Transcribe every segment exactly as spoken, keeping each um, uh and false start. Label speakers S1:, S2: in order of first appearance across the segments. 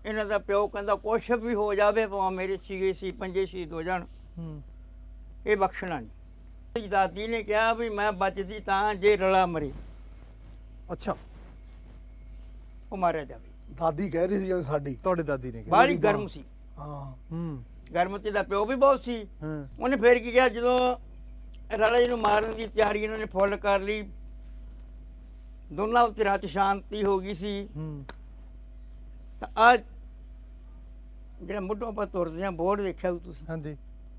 S1: ਇਹਨਾਂ ਦਾ ਪਿਓ ਕਹਿੰਦਾ ਕੁਛ ਵੀ ਹੋ ਜਾਵੇ ਭਾਵੇਂ ਮੇਰੇ ਸੀਗੇ ਸੀ ਪੰਜੇ ਸ਼ਹੀਦ ਹੋ ਜਾਣ, ਇਹ ਬਖਸ਼ਣਾ ਨਹੀਂ। ਦਾਦੀ ਨੇ ਕਿਹਾ ਵੀ ਮੈਂ ਬਚਦੀ ਤਾਂ ਜੇ ਰਲਾ ਮਰੇ।
S2: ਅੱਛਾ,
S1: ਉਹ ਮਾਰਿਆ ਜਾਵੇ।
S3: ਦਾਦੀ ਕਹਿ ਰਹੀ ਸੀ ਜਿਵੇਂ ਸਾਡੀ
S2: ਤੁਹਾਡੇ ਦਾਦੀ ਨੇ ਕਿਹਾ।
S1: ਬਾਹਲੀ ਗਰਮ ਸੀ।
S3: ਹਾਂ
S2: ਹੂੰ
S1: ਗਰਮ ਤੇ ਦਾ ਪਿਓ ਵੀ ਬਹੁਤ ਸੀ।
S2: ਹਾਂ
S1: ਉਹਨੇ ਫੇਰ ਕੀ ਕਿਹਾ, ਜਦੋਂ ਰਲੇ ਨੂੰ ਮਾਰਨ ਦੀ ਤਿਆਰੀ ਇਹਨਾਂ ਨੇ ਫੁੱਲ ਕਰ ਲਈ, ਦੋਨਾਂ ਧਿਰਾਂ 'ਚ ਸ਼ਾਂਤੀ ਹੋ ਗਈ ਸੀ।
S2: ਹੂੰ
S1: ਤਾਂ ਆ ਜਿਹੜਾ ਮੁੱਢੋਂ ਆਪਾਂ ਤੁਰਦੇ ਹਾਂ ਬੋਰਡ ਦੇਖਿਆ ਹੋਊ ਤੁਸੀਂ,
S2: ਹਾਂਜੀ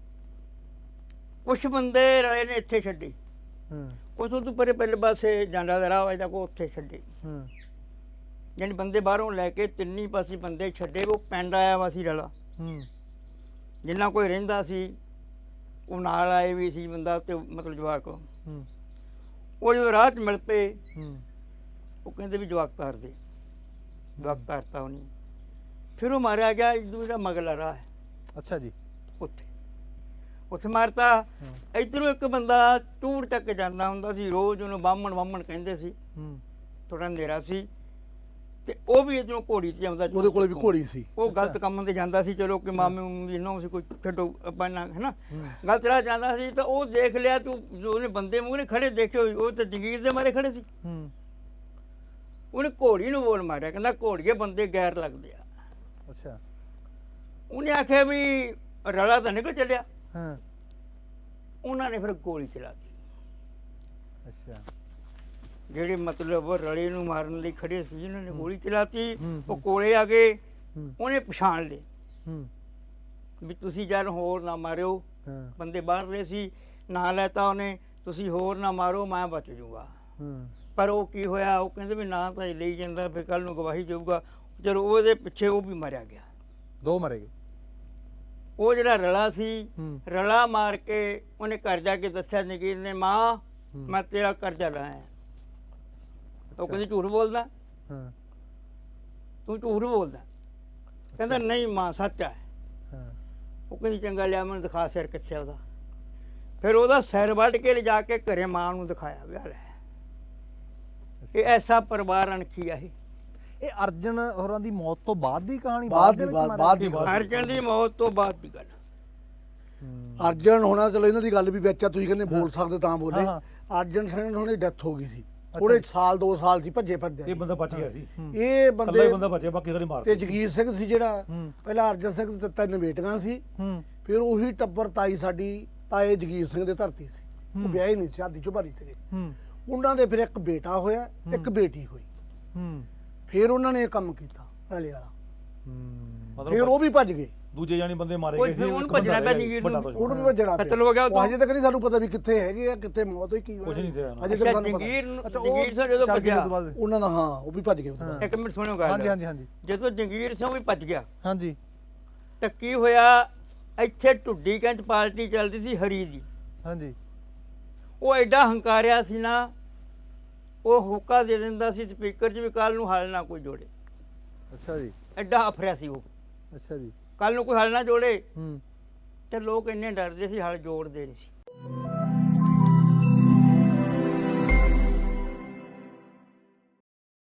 S1: ਕੁਛ ਬੰਦੇ ਰਲੇ ਨੇ ਇੱਥੇ ਛੱਡੇ,
S2: ਹਾਂ
S1: ਕੁਛ ਉਹ ਤੋਂ ਪਰੇ ਪਹਿਲੇ ਪਾਸੇ ਜਾਂਦਾ ਦਾ ਰਾਹ ਵਜਦਾ ਕੋ ਉੱਥੇ ਛੱਡੇ।
S2: ਹਾਂ
S1: ਯਾਨੀ ਬੰਦੇ ਬਾਹਰੋਂ ਲੈ ਕੇ ਤਿੰਨੀ ਪਾਸੇ ਬੰਦੇ ਛੱਡੇ। ਉਹ ਪਿੰਡ ਆਇਆ ਵਾ ਸੀ ਰਲਾ,
S2: ਹੂੰ
S1: ਜਿੰਨਾ ਕੋਈ ਰਹਿੰਦਾ ਸੀ ਉਹ ਨਾਲ ਆਏ ਵੀ ਸੀ ਬੰਦਾ, ਤੇ ਮਤਲਬ ਜਵਾਕ।
S2: ਹੂੰ
S1: ਉਹ ਜਦੋਂ ਰਾਹ 'ਚ ਮਿਲ ਪਏ,
S2: ਹੂੰ
S1: ਉਹ ਕਹਿੰਦੇ ਵੀ ਜਵਾਕ ਤਾਰ ਦੇ। ਜਵਾਕ ਤਾਰਤਾ ਉਹਨੇ। ਫਿਰ ਉਹ ਮਾਰਿਆ ਗਿਆ ਇਦੋਂ ਦਾ ਮਗਲਾ ਰਾਹ ਹੈ
S2: ਅੱਛਾ ਜੀ।
S1: ਉੱਥੇ ਉੱਥੇ ਮਾਰਤਾ। ਇੱਧਰੋਂ ਇੱਕ ਬੰਦਾ ਟੂਰ ਚੱਕ ਜਾਂਦਾ ਹੁੰਦਾ ਸੀ ਰੋਜ਼, ਉਹਨੂੰ ਬਾਹਮਣ ਬਾਹਮਣ ਕਹਿੰਦੇ ਸੀ।
S2: ਹੂੰ
S1: ਥੋੜਾ ਅੰਧੇਰਾ ਸੀ, ਤੇ ਉਹ ਵੀ ਇੱਧਰੋਂ ਘੋੜੀ 'ਤੇ ਆਉਂਦਾ।
S3: ਉਹਦੇ ਕੋਲੇ ਵੀ ਘੋੜੀ ਸੀ।
S1: ਉਹ ਗਲਤ ਕੰਮ 'ਤੇ ਜਾਂਦਾ ਸੀ। ਚਲੋ ਕਿ ਮਾਮੇ ਮੂਮੇ ਨੂੰ ਸੀ ਕੋਈ ਛੱਡੋ ਆਪਾਂ ਨਾ, ਹੈ ਨਾ, ਗਲਤ ਰਾਹ ਜਾਂਦਾ ਸੀ। ਤਾਂ ਉਹ ਦੇਖ ਲਿਆ ਤੂੰ, ਜੋ ਉਹਨੇ ਬੰਦੇ ਮੂਹਰੇ ਖੜੇ ਦੇਖੇ ਹੋਏ, ਉਹ ਤਾਂ ਜਗੀਰ ਦੇ ਮਾਰੇ ਖੜੇ ਸੀ।
S2: ਹੂੰ
S1: ਉਹਨੇ ਘੋੜੀ ਨੂੰ ਬੋਲ ਮਾਰਿਆ, ਕਹਿੰਦਾ ਘੋੜੀਏ ਬੰਦੇ ਗੈਰ ਲੱਗਦੇ ਆ।
S2: ਅੱਛਾ।
S1: ਉਹਨੇ ਆਖਿਆ ਵੀ ਰਲਾ ਤਾਂ ਨਿਕਲ ਚੱਲਿਆ।
S2: ਹਾਂ
S1: ਉਹਨਾਂ ਨੇ ਫਿਰ ਗੋਲੀ ਚਲਾ ਦਿੱਤੀ।
S2: ਅੱਛਾ।
S1: ਜਿਹੜੇ ਮਤਲਬ ਰਲੇ ਨੂੰ ਮਾਰਨ ਲਈ ਖੜੇ ਸੀ, ਉਹਨਾਂ ਨੇ ਗੋਲੀ ਚਲਾਤੀ।
S2: ਹੂੰ,
S1: ਉਹ ਕੋਲੇ ਆ ਗਏ,
S2: ਹੂੰ
S1: ਉਹਨੇ ਪਛਾਣ ਲਏ
S2: ਹੂੰ
S1: ਵੀ ਤੁਸੀਂ ਜਦ ਹੋਰ ਨਾ ਮਾਰਿਓ।
S2: ਹਾਂ
S1: ਬੰਦੇ ਬਾਹਰ ਰਹੇ ਸੀ, ਨਾਂ ਲੈਤਾ ਉਹਨੇ, ਤੁਸੀਂ ਹੋਰ ਨਾ ਮਾਰੋ, ਮੈਂ ਬਚ ਜੂਗਾ।
S2: ਹੂੰ
S1: ਪਰ ਉਹ ਕੀ ਹੋਇਆ, ਉਹ ਕਹਿੰਦੇ ਵੀ ਨਾਂ ਤਾਂ ਇਹ ਲਈ ਜਾਂਦਾ, ਫਿਰ ਕੱਲ ਨੂੰ ਗਵਾਹੀ ਦੇਊਗਾ। ਚਲੋ ਉਹਦੇ ਪਿੱਛੇ ਉਹ ਵੀ ਮਾਰਿਆ ਗਿਆ।
S2: ਦੋ ਮਰੇ ਗਏ।
S1: ਉਹ ਜਿਹੜਾ ਰਲਾ ਸੀ,
S2: ਹੂੰ
S1: ਰਲਾ ਮਾਰ ਕੇ ਉਹਨੇ ਘਰ ਜਾ ਕੇ ਦੱਸਿਆ ਨਗੀਰ ਨੇ, ਮਾਂ ਮੈਂ ਤੇਰਾ ਕਰਜ਼ਾ ਲਾਇਆ। ਉਹ ਕਹਿੰਦੀ ਝੂਠ ਬੋਲਦਾ,
S2: ਹਾਂ
S1: ਤੂੰ ਝੂਠ ਬੋਲਦਾ। ਕਹਿੰਦਾ ਨਹੀਂ ਮਾਂ ਸੱਚ ਹੈ।
S2: ਹਾਂ
S1: ਉਹ ਕਹਿੰਦੀ ਚੰਗਾ ਲਿਆ ਮੈਨੂੰ ਦਿਖਾ ਸਿਰ ਕਿੱਥੇ ਉਹਦਾ। ਫਿਰ ਉਹਦਾ ਸਿਰ ਵੱਢ ਕੇ ਲਿਜਾ ਕੇ ਘਰੇ ਮਾਂ ਨੂੰ ਦਿਖਾਇਆ ਵੀ ਆ ਲੈ। ਇਹ ਐਸਾ ਪਰਿਵਾਰ ਅਣਖੀ ਆ ਇਹ।
S2: ਇਹ ਅਰਜਨ ਹੋਰਾਂ ਦੀ ਮੌਤ ਤੋਂ ਬਾਅਦ ਦੀ ਕਹਾਣੀ?
S3: ਬਾਅਦ
S2: ਦੇ
S3: ਦੀ
S2: ਵਿੱਚ
S3: ਬਾਅਦ
S2: ਮਾਰਿਆ?
S3: ਬਾਅਦ ਦੀ ਬਾਅਦ
S1: ਅਰਜਨ ਦੀ ਮੌਤ ਤੋਂ ਬਾਅਦ ਦੀ ਗੱਲ।
S2: ਹੂੰ
S3: ਅਰਜਨ ਹੋਣਾ, ਚਲੋ ਇਹਨਾਂ ਦੀ ਗੱਲ ਵੀ ਵਿੱਚ ਆ, ਤੁਸੀਂ ਕਹਿੰਦੇ ਬੋਲ ਸਕਦੇ ਤਾਂ ਬੋਲੇ।
S2: ਹਾਂ,
S3: ਅਰਜਨ ਸਿੰਘ ਹੋਣੀ ਡੈਥ ਹੋ ਗਈ ਸੀ, ਥੋੜੇ ਸਾਲ ਦੋ ਸਾਲ ਸੀ ਭੱਜੇ ਫਿਰਦੇ।
S4: ਇਹ ਬੰਦਾ ਬਚ ਗਿਆ ਸੀ,
S3: ਇਹ
S4: ਇਕੱਲਾ
S3: ਬੰਦੇ
S4: ਹੀ ਬੰਦਾ ਬਚਿਆ, ਬਾਕੀ ਸਾਰੇ ਮਾਰ
S3: ਤੇ ਜਗੀਰ ਸਿੰਘ ਸੀ ਜਿਹੜਾ,
S2: ਹੂੰ
S3: ਪਹਿਲਾਂ ਅਰਜਨ ਸਿੰਘ ਤੇ ਤਿੰਨ ਬੇਟੀਆਂ ਸੀ।
S2: ਹੂੰ
S3: ਫਿਰ ਉਹੀ ਟੱਬਰ ਤਾਈ ਸਾਡੀ ਤਾਏ ਜਗੀਰ ਸਿੰਘ ਦੇ ਧਰਤੀ ਸੀ। ਉਹ
S2: ਹੂੰ।
S3: ਵਿਆਹੇ ਨਹੀਂ ਸੀ, ਸ਼ਾਦੀ ਚੁਬਾਰੀ ਤੇ।
S2: ਹੂੰ
S3: ਉਹਨਾਂ ਦੇ ਫਿਰ ਇੱਕ ਬੇਟਾ ਹੋਇਆ, ਇੱਕ ਬੇਟੀ ਹੋਈ।
S2: ਹੂੰ
S3: ਫਿਰ ਉਹਨਾਂ ਨੇ ਇਹ ਕੰਮ ਕੀਤਾ ਰਲੇ ਵਾਲਾ।
S2: ਹੂੰ
S3: ਫਿਰ ਉਹ ਵੀ ਭੱਜ ਗਏ,
S4: ਦੂਜੇ ਜਾਨੀ ਬੰਦੇ ਮਾਰੇ
S1: ਉਹ
S4: ਗਏ ਸੀ।
S1: ਫਿਰ ਉਹਨੂੰ
S4: ਇੱਕ ਬੰਦਾ
S1: ਭੱਜਣਾ ਪਿਆ
S4: ਰਹਿ ਗਿਆ,
S1: ਜਗੀਰ
S4: ਵੱਡਾ
S1: ਨੂੰ।
S4: ਦੁਸ਼ਮਣ।
S3: ਉਹਨੂੰ ਵੀ ਭੱਜਣਾ
S1: ਕਤਲ ਹੋ ਗਿਆ
S3: ਉਹ
S1: ਉਦੋਂ।
S3: ਹਜੇ ਤੱਕ ਨਹੀਂ ਸਾਨੂੰ ਪਤਾ ਵੀ ਕਿੱਥੇ ਹੈਗੇ ਆ, ਕਿੱਥੇ ਮੌਤ ਹੋਈ, ਕੀ
S4: ਕੁਛ ਨਹੀਂ
S3: ਹੋਇਆ।
S4: ਤੇ
S3: ਹਜੇ ਤੱਕ ਸਾਨੂੰ ਪਤਾ
S1: ਜੰਗੀਰ ਨੂੰ
S2: ਅੱਛਾ, ਉਹ
S1: ਜੰਗੀਰ ਸਿੰਘ ਜਦੋਂ
S2: ਚੱਲ ਗਏ
S1: ਭੱਜਿਆ,
S2: ਤੋਂ ਬਾਅਦ?
S3: ਉਹਨਾਂ ਦਾ, ਹਾਂ ਉਹ ਵੀ ਭੱਜ ਗਏ ਉਹਦੇ ਬਾਅਦ।
S1: ਇੱਕ ਮਿੰਟ ਸੁਣਿਓ ਗੱਲ।
S2: ਹਾਂਜੀ ਹਾਂਜੀ ਹਾਂਜੀ
S1: ਜਦੋਂ ਜੰਗੀਰ ਸਿੰਘ ਵੀ ਭੱਜ ਗਿਆ
S2: ਹਾਂਜੀ
S1: ਤਾਂ ਕੀ ਹੋਇਆ, ਇੱਥੇ ਢੁੱਡੀ ਕੰਚ ਪਾਰਟੀ ਚੱਲਦੀ ਸੀ ਹਰੀ ਦੀ।
S2: ਹਾਂਜੀ
S1: ਉਹ ਐਡਾ ਹੰਕਾਰਿਆ ਸੀ ਨਾ, ਉਹ ਹੁੱਕਾ ਦੇ ਦਿੰਦਾ ਸੀ ਸਪੀਕਰ 'ਚ ਵੀ ਕੱਲ ਨੂੰ ਹਲ ਨਾ ਕੋਈ ਜੋੜੇ।
S2: ਅੱਛਾ ਜੀ।
S1: ਐਡਾ ਅਫਰਿਆ ਸੀ ਉਹ,
S2: ਅੱਛਾ ਜੀ।
S1: ਕੱਲ ਨੂੰ ਕੋਈ ਹਲ ਨਾ ਜੋੜੇ।
S2: ਹੂੰ
S1: ਤੇ ਲੋਕ ਇੰਨੇ ਡਰਦੇ ਸੀ, ਹਲ ਜੋੜਦੇ ਨਹੀਂ ਸੀ।